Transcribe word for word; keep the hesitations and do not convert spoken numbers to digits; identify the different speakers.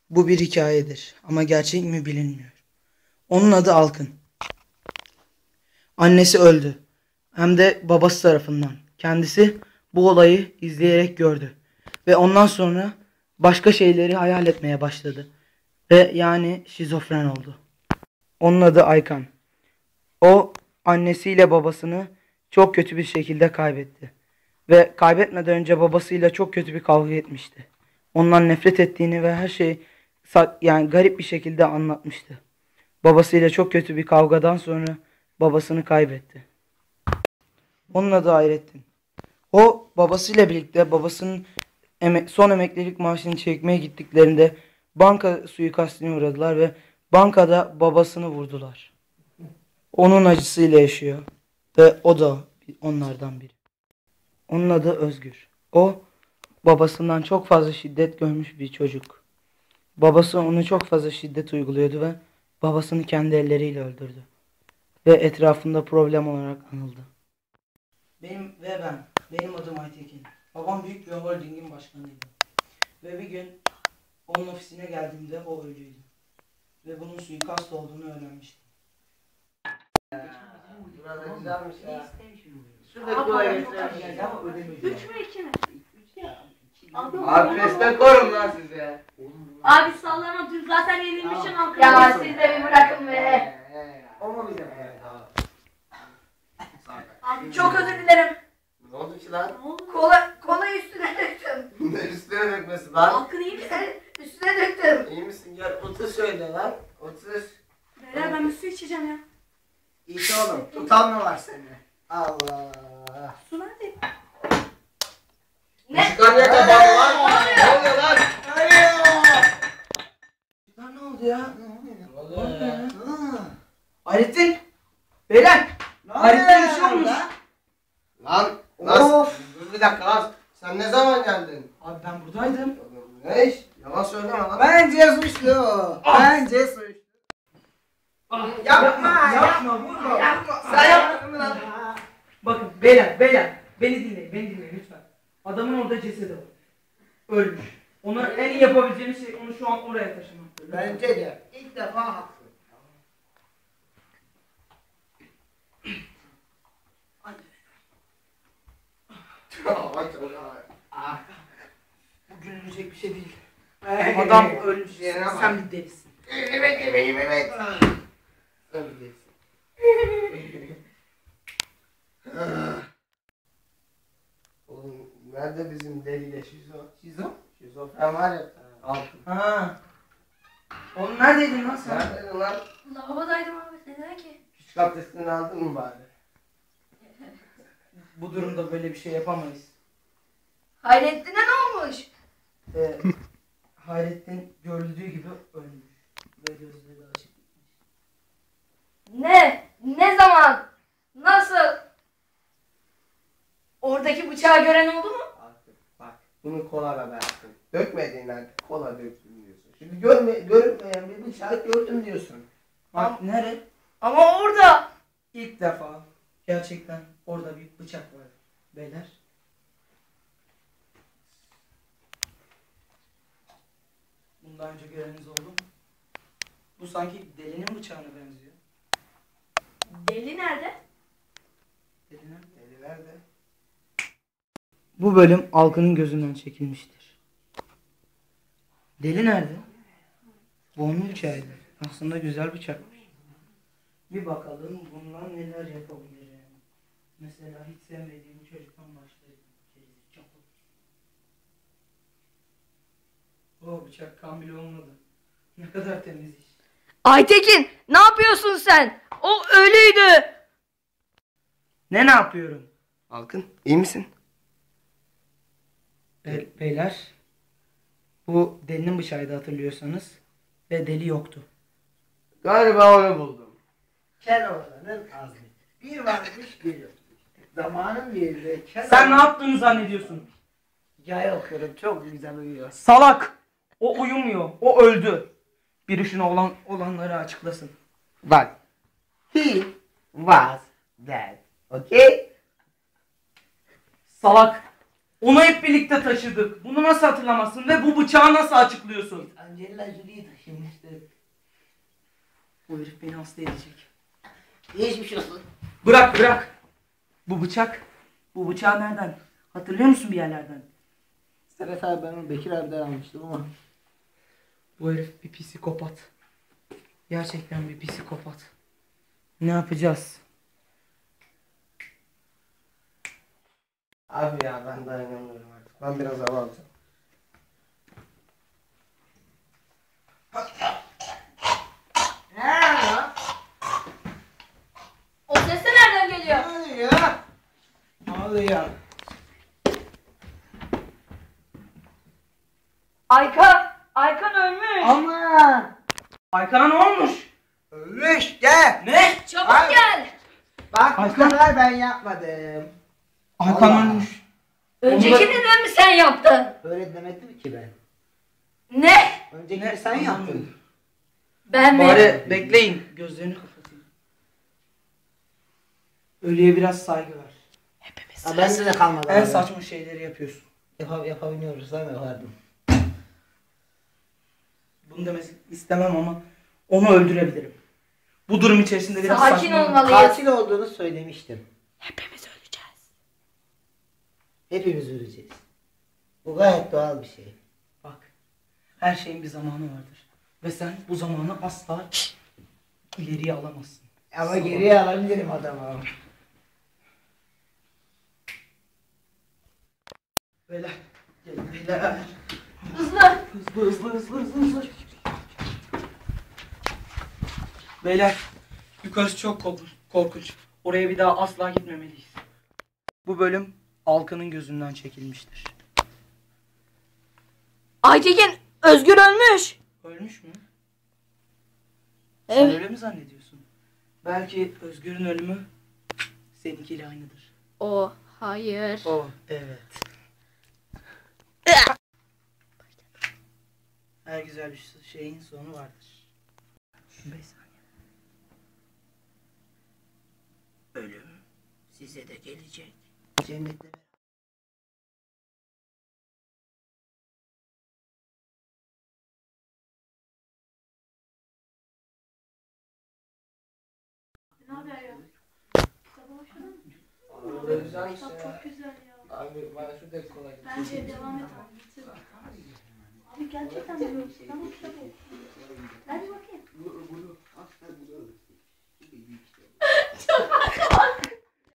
Speaker 1: Bu bir hikayedir ama gerçek mi bilinmiyor. Onun adı Alkın. Annesi öldü. Hem de babası tarafından. Kendisi bu olayı izleyerek gördü. Ve ondan sonra başka şeyleri hayal etmeye başladı. Ve yani şizofren oldu. Onun adı Aykan. O annesiyle babasını çok kötü bir şekilde kaybetti. Ve kaybetmeden önce babasıyla çok kötü bir kavga etmişti. Ondan nefret ettiğini ve her şeyi yani garip bir şekilde anlatmıştı. Babasıyla çok kötü bir kavgadan sonra babasını kaybetti. Onun adı Hayrettin. O babasıyla birlikte babasının emek, son emeklilik maaşını çekmeye gittiklerinde banka suikastine uğradılar ve bankada babasını vurdular. Onun acısıyla yaşıyor ve o da onlardan biri. Onun adı Özgür. O babasından çok fazla şiddet görmüş bir çocuk. Babası onu çok fazla şiddet uyguluyordu ve babasını kendi elleriyle öldürdü. Ve etrafında problem olarak anıldı. Benim ve ben, benim adım Aytekin. Babam büyük bir holdingin başkanıydı. Ve bir gün onun ofisine geldiğimde o ölüydü. Ve bunun suikast olduğunu öğrenmiştim.
Speaker 2: Burada güzelmiş ya.
Speaker 3: Şurada kolay getirelim. Üç mü iki mi?
Speaker 2: Abi destek koyun lan size.
Speaker 3: Abi sallama, dün zaten yenilmişsin halkım.
Speaker 4: Ya siz de bir bırakın be.
Speaker 2: O mu bize?
Speaker 3: Abi
Speaker 4: Çok özür dilerim.
Speaker 2: Ne oldu ki lan?
Speaker 3: ne oldu?
Speaker 4: Kola, kola üstüne döktüm.
Speaker 2: Ne üstüne dökmesi lan?
Speaker 3: Halkın iyi misin?
Speaker 4: Üstüne döktüm.
Speaker 2: İyi misin? Gel otur şöyle lan. Otur.
Speaker 3: Beyler ben bir su içeceğim ya.
Speaker 2: İç oğlum. Tutan mı var seni? Allah.
Speaker 3: Su nerede?
Speaker 4: Ne?
Speaker 2: Çıkar ya kafanı lan. Ne oluyor lan?
Speaker 1: Lan ne oldu ya?
Speaker 2: Ne oluyor ya?
Speaker 1: Hayrettin! Beyler! Hayrettin bir şey olmuş.
Speaker 2: Lan nasıl? Dur bir dakika lan. Sen ne zaman geldin?
Speaker 1: Abi ben buradaydım.
Speaker 2: Ne iş? Yalan söyleme lan.
Speaker 5: Bence suçlu. Bence suçlu.
Speaker 2: Yapma,
Speaker 1: Yapma, vurma.
Speaker 2: Yapma. Sen yapmadın mı lan?
Speaker 1: Bakın beyler, beyler. Beni dinleyin, beni dinleyin lütfen. Adamın orada cesedi var. Ölmüş. Ona en iyi yapabileceğimiz şey onu şu an oraya taşımak.
Speaker 5: Bence de ilk defa haklı.
Speaker 1: Bu gülünecek bir şey değil. Adam ölmüş.
Speaker 2: Yerine bak.
Speaker 1: Sen bir delisin.
Speaker 2: Evet, evet, evet. Sen bilirsin. Oğlum nerede bizim deliyle şizo? Şizo? Şizofren var ya. Altın.
Speaker 1: Ha. Oğlum neredeydin lan sen?
Speaker 2: Neredeydin lan?
Speaker 4: Lavabodaydım abi. Neden ki?
Speaker 2: Küçük abdestini aldın mı bari?
Speaker 1: Bu durumda böyle bir şey yapamayız.
Speaker 4: Hayrettin'e ne olmuş?
Speaker 1: Ee, Hayrettin görüldüğü gibi ölmüş. Ve gözleri açık.
Speaker 4: Ne? Ne zaman? Nasıl? Oradaki bıçağı gören oldu mu?
Speaker 2: Artık bak bunu kola da versin. Dökmediğin halde kola döktüm diyorsun. Şimdi görme, görünmeyen bir bıçağı gördüm diyorsun.
Speaker 1: Bak nere?
Speaker 4: Ama orada.
Speaker 1: İlk defa gerçekten orada bir bıçak var. Beyler. Bundan önce göreniniz oldu mu? Bu sanki delinin bıçağına benziyor.
Speaker 3: Deli nerede?
Speaker 1: Delinin.
Speaker 2: Deli nerede?
Speaker 1: Bu bölüm Alkın'ın gözünden çekilmiştir. Deli nerede? Bu onun bıçağıydı. Aslında güzel bıçakmış. Bir bakalım bundan neler yapabilirim. Mesela hiç sevmediğim çocuktan başlayayım. O bıçak kan bile olmadı. Ne kadar temiz iş.
Speaker 4: Aytekin, ne yapıyorsun sen? O ölüydü.
Speaker 1: Ne ne yapıyorum?
Speaker 2: Alkın iyi misin?
Speaker 1: Be- beyler. Bu delinin bıçağıydı hatırlıyorsanız. Ve deli yoktu.
Speaker 2: Galiba onu buldum.
Speaker 5: Keloğlan'ın azmi. Bir varmış bir yokmuş. Zamanın birinde Keloğlan...
Speaker 1: Sen ne yaptığını zannediyorsun?
Speaker 5: Hikaye okuyorum, çok güzel uyuyor.
Speaker 1: Salak! O uyumuyor. O öldü. Biri şuna olan olanları açıklasın.
Speaker 2: Bak. He was dead. Okay?
Speaker 1: Salak! Onu hep birlikte taşıdık. Bunu nasıl hatırlamazsın ve bu bıçağı nasıl açıklıyorsun?
Speaker 5: Angelina Jolie'yi taşımıştık.
Speaker 1: Bu herif beni hasta edecek.
Speaker 5: Geçmiş olsun.
Speaker 1: Bırak bırak. Bu bıçak. Bu bıçağı nereden? Hatırlıyor musun bir yerlerden?
Speaker 5: Evet abi ben onu Bekir abiden almıştım ama.
Speaker 1: Bu herif bir psikopat. Gerçekten bir psikopat. Ne yapacağız?
Speaker 2: Abi ya ben dayanamıyorum artık. Ben biraz hava alacağım.
Speaker 4: O ses de nereden geliyor?
Speaker 5: Ne oluyor? Ne oluyor?
Speaker 4: Aykan. Aykan ölmüş.
Speaker 5: Aman!
Speaker 1: Aykan'a ne olmuş?
Speaker 5: Ölmüş gel.
Speaker 1: Ne?
Speaker 4: Çabuk
Speaker 5: Ay.
Speaker 4: gel.
Speaker 5: Bak bu
Speaker 1: Aykan.
Speaker 5: kadar ben yapmadım.
Speaker 1: Aykan
Speaker 5: Allah.
Speaker 1: ölmüş.
Speaker 4: Öncekini de mi sen yaptın?
Speaker 5: Öyle demedim ki ben.
Speaker 4: Ne?
Speaker 5: Öncekini
Speaker 1: Ne?
Speaker 5: sen yaptın.
Speaker 4: Ben mi?
Speaker 1: Bari bekleyin. Gözlerini kapatayım. Ölüye biraz saygı ver. Hepimiz.
Speaker 5: Ha, ben de kalmadı.
Speaker 1: En
Speaker 5: abi.
Speaker 1: saçma şeyleri yapıyorsun.
Speaker 5: Yap yapabiliyoruz değil mi? Yapardım.
Speaker 1: Bunu demek istemem ama onu öldürebilirim. Bu durum içerisinde biraz
Speaker 4: Sakin
Speaker 1: saçma.
Speaker 4: olmalıyız.
Speaker 5: Katil olduğunu söylemiştim.
Speaker 4: Hepimiz öleceğiz.
Speaker 5: Hepimiz öleceğiz. Bu gayet doğal bir şey.
Speaker 1: Bak. Her şeyin bir zamanı vardır. Ve sen bu zamanı asla ileriye alamazsın.
Speaker 5: Ama geriye alabilirim adamı.
Speaker 1: Beyler. Gelin beyler.
Speaker 4: Hızlı.
Speaker 1: Hızlı hızlı hızlı hızlı hızlı. Beyler. Yukarısı çok korkunç. korkunç. Oraya bir daha asla gitmemeliyiz. Bu bölüm Alkan'ın gözünden çekilmiştir.
Speaker 4: Aytekin Özgür ölmüş.
Speaker 1: Ölmüş mü?
Speaker 4: Evet.
Speaker 1: Sen öyle mi zannediyorsun? Belki Özgür'ün ölümü seninkiyle aynıdır.
Speaker 4: O hayır.
Speaker 1: Oh evet. Her güzel bir şeyin sonu vardır. beş saniye. Ölüm size de gelecek.
Speaker 5: Cennette
Speaker 3: Ne haber ya? Sabah başladın mı?
Speaker 2: Abi güzel
Speaker 3: Kitap
Speaker 2: işte.
Speaker 3: çok güzel ya.
Speaker 2: Abi bana şu da kolay.
Speaker 3: Bence devam et abi. Bitir. Abi gerçekten biliyorum. Ben bu kitabı okudum. Hadi bakayım.